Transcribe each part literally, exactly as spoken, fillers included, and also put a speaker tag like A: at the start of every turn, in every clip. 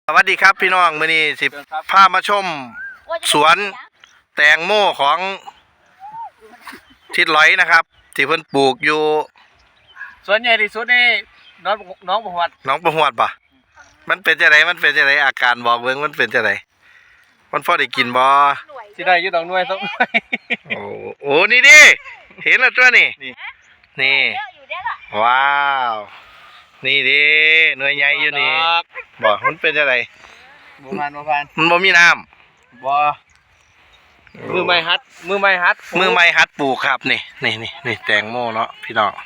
A: สวัสดีครับพี่น้องมื้อนี้สิพามาชมสวนแตงโมของทิดร้อยนะครับที่เพิ่นปลูกอยู่
B: สวนใหญ่ที่สุดในน้องน้องประวัติ
A: หนองประหวดป่ะมันเป็นจังไดมันเป็นจังไดอาการบอกเบิ่งมันเป็นจังไดมันพอได้กินบ่
B: สิได้อยู่ดอกหน่วยสักหน่วย
A: โอ้โอ้นี่ดิเห็นแล้วตัวนี่นี่ว้าวนี่ดิหน่วยใหญ่อยู่นี่บ่มันเป็นจังได
B: บ่ผ่านบ่ผ่าน
A: มันบ่มีน้ำ
B: บ่มือไม้ฮัดมือไม้ฮัด
A: มือไม้ฮัดปลูกครับนี่นี่นี่นี่แตงโมเนาะพี่น้อง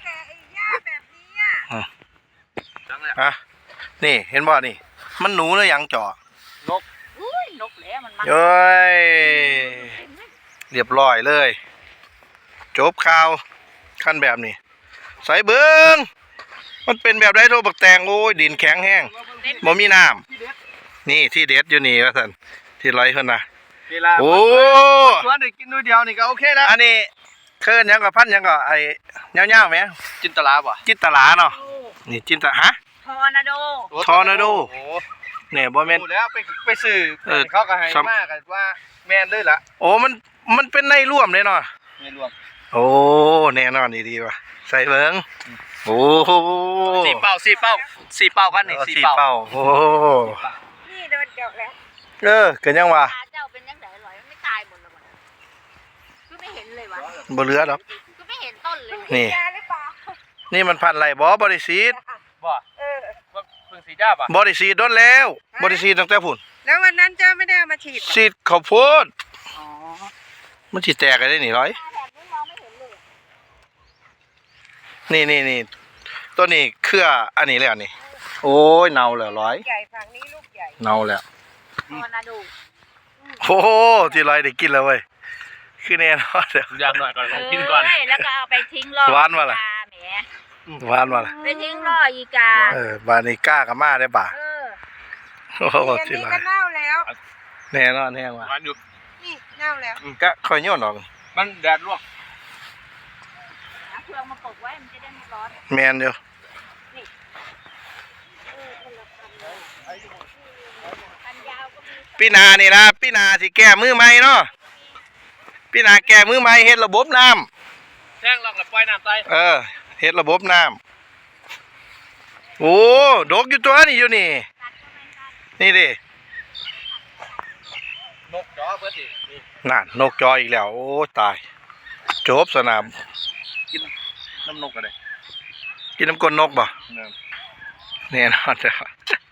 A: อ่ะนี่เห็นบ่นี่มันหนูหรือยังจ่อน
B: ก
C: อุ้ยนกแหละมันมา
A: เอ้ยเรียบร้อยเลยจบข่าวขั้นแบบนี้ใส่เบิ้งมันเป็นแบบไรโทรบักแตงโอ้ยดินแข็งแห้งบ่มีน้ำนี่ที่เด็ดอยู่นี่ว่าท่านที่ไรเพิ่นนะโอ้
B: สวนได้กินด้วยเดียวนี่ก็โอเคแล้ว
A: อันนี้เคินยังกับพันยังกับไอ้เงี้ยวๆไหม
B: จินตลาบ่
A: จินตลาเนาะนี่จินตฮะ
C: ทอร์นาโด
A: ทอร์นาโดเนี่ยบ่แม่น
B: แล้วไปไปซื้อเขาก็ให้มากว่าแม่นเลยล่ะ
A: โอ้มันมันเป็นในร่วมเลยเนาะ
B: ในร่วม
A: โอ้แน่นอนดีๆว่ะใส่เบิ้งโอ้
B: สี่เป้าสี่เป้าสี่เป้ากันนี่สี่เป้า
A: โอ้
C: นี่โดนเจาะแล้ว
A: เออเกิดยังวะ
C: เจ้าเป็นยังไงอร่อยไม่ตายหมดเลยคือไม่เห็นเลยวะ
A: บ่เหลือหรอก
C: คือไม่เห็นต้นเลย
A: นี่นี่มันพันไรบ่บริสีด
B: บ่เออเพิ่งสีดาบ่
A: บริสีดโดนแล้วบริสีดตั้งแต่พุ่น
C: แล้ววันนั้นเจ้าไม่ได้เอามาฉีด
A: ฉีดข้าวโพดอ๋อมันฉีดแตกกันได้หนิร้อยนี่นี่นี่ตัวนี้เครืออันนี้แล้วนี่โอ้ยเน่าแล้วร้อย
C: ใหญ่ฝั่งนี้ลูกใหญ่
A: เน่าแล้ว
C: ทอร์นาโด
A: โอ้โหที่ร้อยได้กินแล้วเว้ยคือแน่นอนเดี๋ยว
B: อย่างหน่อยก่อนกินก่อน
C: แล้วก็เอาไปทิ้งรอ
A: หวานมาละหวานมาละ
C: ไปทิ้งรออีกา
A: เออบานิก้ากับมาได้ป่ะโอ้โหที่ร้อย
C: เน่าแล้ว
A: แน่นอนแน่ว่ะ
B: หวานอยู่
C: นี่เน่าแล้ว
A: ก็คอยโยนออก
B: มันแดดลวก
C: เครื่องมาปกไว้มันจะได้ไม่ร้อน
A: แมนอยู่พี่นานี่นะพี่นาสิแก้มือใหม่เนาะพี่นาแก้มือใหม่เฮ็ดระบบน้
B: ำแท่งลองกับปล่อยน้ำใส่
A: เออเฮ็ดระบบน้ำโอ้ดกอยู่ตัวนี่อยู่นี่นี่ดิ
B: นกจอเบิดดิ
A: นั่นนกจออีกแล้วโอ้ตายจบสนาม
B: กินน้ำนกกันเลย
A: กินน้ำก้นนกบ่แน่นอนจ้ะ